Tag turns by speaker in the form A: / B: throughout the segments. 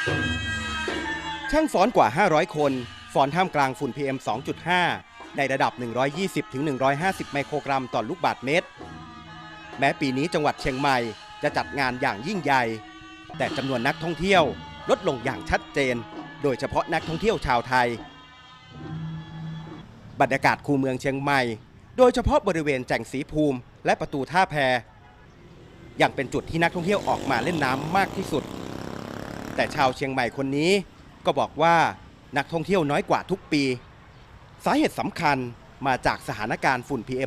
A: ช่างฟ้อนกว่า 500 คนฟ้อนท่ามกลางฝุ่น PM 2.5 ในระดับ 120-150 ไมโครกรัมต่อลูกบาศก์เมตร แม้ปีนี้จังหวัดเชียงใหม่จะจัดงานอย่างยิ่งใหญ่ แต่จำนวนนักท่องเที่ยวลดลงอย่างชัดเจน โดยเฉพาะนักท่องเที่ยวชาวไทย บรรยากาศคูเมืองเชียงใหม่ โดยเฉพาะบริเวณแจ่งศรีภูมิและประตูท่าแพยังเป็นจุดที่นักท่องเที่ยวออกมาเล่นน้ำมากที่สุด แต่ชาวเชียงใหม่คนนี้ก็บอกว่านักท่องเที่ยวน้อยกว่าทุกปี สาเหตุสำคัญมาจากสถานการณ์ฝุ่น PM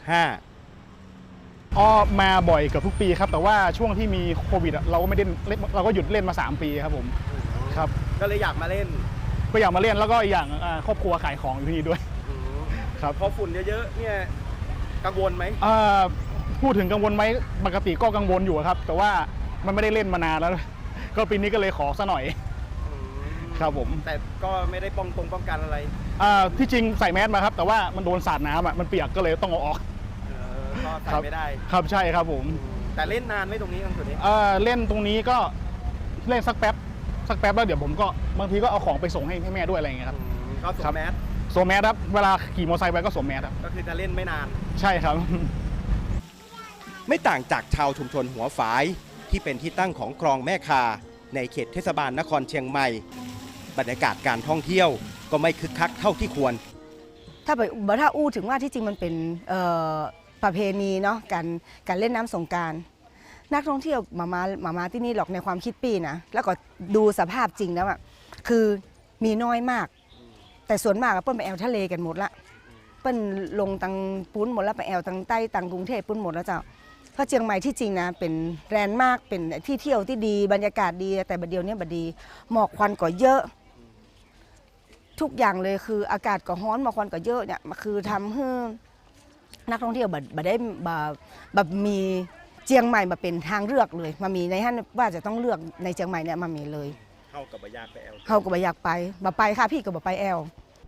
A: 2.5
B: มาบ่อยเกือบทุกปีครับแต่ว่าช่วงที่มีโควิดเราก็ไม่ได้เราก็หยุดเล่นมา3 ปีครับผมครับ
A: ก็เลยอยากมาเล่น
B: ก็อยากมาเล่นแล้วก็อีกอย่างครอบครัวขายของอยู่ที่นี่ด้วยครับ
A: พอฝุ่นเยอะๆเนี่ยกังวลไหม
B: พูดถึงกังวลไหมปกติก็กังวลอยู่ครับแต่ว่ามันไม่ได้เล่นมานานแล้วก็ปีนี้ก็เลยขอซะหน่อยครับผม
A: แต่ก็ไม่ได้ป้องกันอะไร
B: ที่จริงใส่แมสมาครับแต่ว่ามันโดนสาดน้ำมันเปียกก็เลยต้องเอาออก
A: ก็ใส่ไม่ได้
B: ครับใช่ครับผม
A: แต่เล่นนานไหมตรงนี้ตรงนี้
B: เล่นตรงนี้ก็เล่นสักแป๊บแล้วเดี๋ยวผมก็บางทีก็เอาของไปส่งให้แม่ด้วยอะไรอย่างเงี้ยครับ
A: ก็สวมแมส
B: ครับเวลาขี่มอเตอร์ไซค์ไปก็สวมแมสครับ
A: ก็คือจะเล่นไม่นาน
B: ใช่ครับ
A: ไม่ต่างจากชาวชุมชนหัวฝายที่เป็นที่ตั้งของคลองแม่คาในเขตเทศบาลนครเชียงใหม่บรรยากาศการท่องเที่ยวก็ไม่คึกคักเท่าที่ควร
C: ถ้าอู้ถึงว่าที่จริงมันเป็นประเพณีเนาะการเล่นน้ำสงกรานต์นักท่องเที่ยวมาที่นี่หรอกในความคิดปีนะแล้วก็ดูสภาพจริงแล้วคือมีน้อยมากแต่ส่วนมากเปิ้ลไปแอวทะเลกันหมดละเปิ้ลลงตังปุ้นหมดแล้วไปแอวตังใต้ตังกรุงเทพปุ้นหมดแล้วเจ้าเพราะเชียงใหม่ที่จริงนะเป็นแลนด์มาร์คเป็นที่เที่ยวที่ดีบรรยากาศดีแต่บัดเดียวนี้บัดดีหมอกควันก็เยอะทุกอย่างเลยคืออากาศก็ร้อนหมอกควันก็เยอะเนี่ยคือทำให้นักท่องเที่ยวแบบมีเชียงใหม่มาเป็นทางเลือกเลยมามีในท่านว่าจะต้องเลือกในเชียงใหม่เนี่ยมามีเลย
A: เข้ากับบอยากไปแอล
C: เข้ากับบอยากไปค่ะพี่กับไปแอล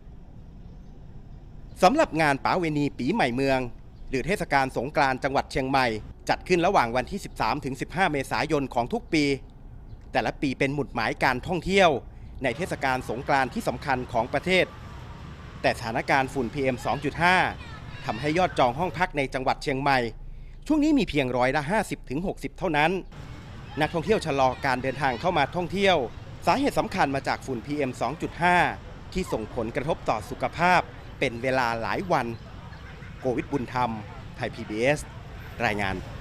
A: สำหรับงานป๋าเวณีปีใหม่เมืองหรือเทศกาลสงกรานต์จังหวัดเชียงใหม่จัดขึ้นระหว่างวันที่ 13-15 เมษายนของทุกปีแต่ละปีเป็นหมุดหมายการท่องเที่ยวในเทศกาลสงกรานต์ที่สำคัญของประเทศแต่สถานการณ์ฝุ่น PM 2.5 ทำให้ยอดจองห้องพักในจังหวัดเชียงใหม่ช่วงนี้มีเพียง50-60%เท่านั้นนักท่องเที่ยวชะลอการเดินทางเข้ามาท่องเที่ยวสาเหตุสำคัญมาจากฝุ่น PM 2.5 ที่ส่งผลกระทบต่อสุขภาพเป็นเวลาหลายวันโกวิทบุญธรรมไทย PBS รายงาน